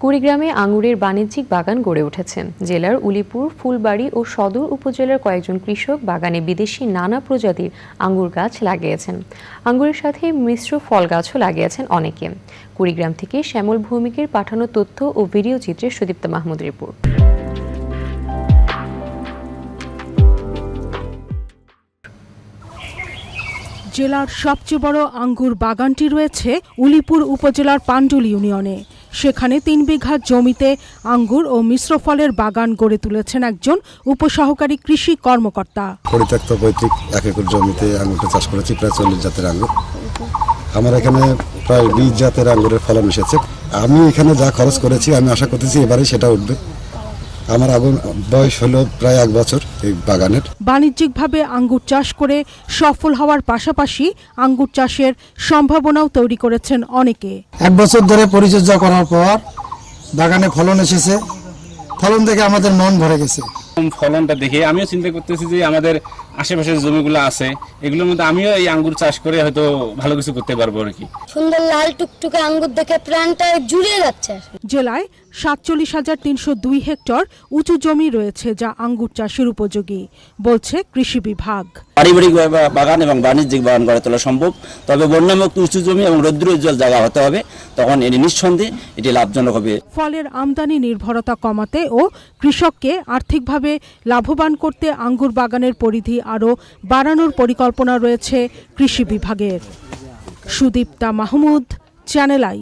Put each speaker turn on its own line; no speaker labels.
কুড়িগ্রামে আঙুরের বাণিজ্যিক বাগান গড়ে উঠেছে। জেলার উলিপুর, ফুলবাড়ী ও সদর উপজেলার কয়েকজন কৃষক বাগানে বিদেশি নানা প্রজাতির আঙ্গুর গাছ লাগিয়েছেন। আঙ্গুরের সাথে মিশ্র ফল গাছও লাগিয়েছেন অনেকে। কুড়িগ্রাম থেকে শ্যামল ভৌমিকের পাঠানো তথ্য ও ভিডিও চিত্রে সুদীপ্তা মাহমুদ রিপোর্ট।
জেলার সবচেয়ে বড় আঙ্গুর বাগানটি রয়েছে উলিপুর উপজেলার পান্ডুল ইউনিয়নে। সেখানে ৩ বিঘা জমিতে আঙ্গুর ও মিশ্র ফলের বাগান গড়ে তুলেছেন একজন উপসহকারী কৃষি কর্মকর্তা।
পরিত্যক্ত পৈতৃক 1 একর জমিতে আঙ্গুরটা চাষ করেছি, প্রায় 40 জাতের আঙ্গুর। আমার এখানে প্রায় 20 জাতের আঙ্গুরের ফলন এসেছে। আমি এখানে যা খরচ করেছি আমি আশা করতেছি এবারেই সেটা উঠবে। আমার বয়স হলো প্রায় 1 বছর এই বাগানের।
বাণিজ্যিকভাবে আঙ্গুর চাষ করে সফল হওয়ার পাশাপাশি আঙ্গুর চাষের সম্ভাবনাও তৈরি করেছেন অনেকে।
1 বছর ধরে পরিচর্যা করার পর বাগানে ফলন এসেছে। ফলন দেখে আমাদের মন ভরে গেছে।
ফলনটা দেখে আমিও চিন্তা করতেছি যে আমাদের আশেপাশের জমিগুলো আছে, এগুলোর মধ্যে আমিও এই আঙ্গুর চাষ করে হয়তো ভালো কিছু করতে পারবো আর কি।
সুন্দর লাল টুকটুকে আঙ্গুর দেখে প্রাণটা জুড়িয়ে যাচ্ছে।
জেলায় 47,302 হেক্টর উঁচু জমি রয়েছে যা আঙ্গুর চাষের উপযোগী, বলছে কৃষি বিভাগ।
পারিবারিক বাগান এবং বাণিজ্যিক বাগান গড়ে তোলা সম্ভব, তবে বন্যামুক্ত উঁচু জমি এবং রৌদ্রোজ্জ্বল জায়গা হতে হবে, তখন এটি নিঃসন্দেহে এটি লাভজনক হবে।
ফলের আমদানি নির্ভরতা কমাতে ও কৃষককে আর্থিকভাবে লাভবান করতে আঙ্গুর বাগানের পরিধি আরও বাড়ানোর পরিকল্পনা রয়েছে কৃষি বিভাগের। Sudipta Mahmud, channel I.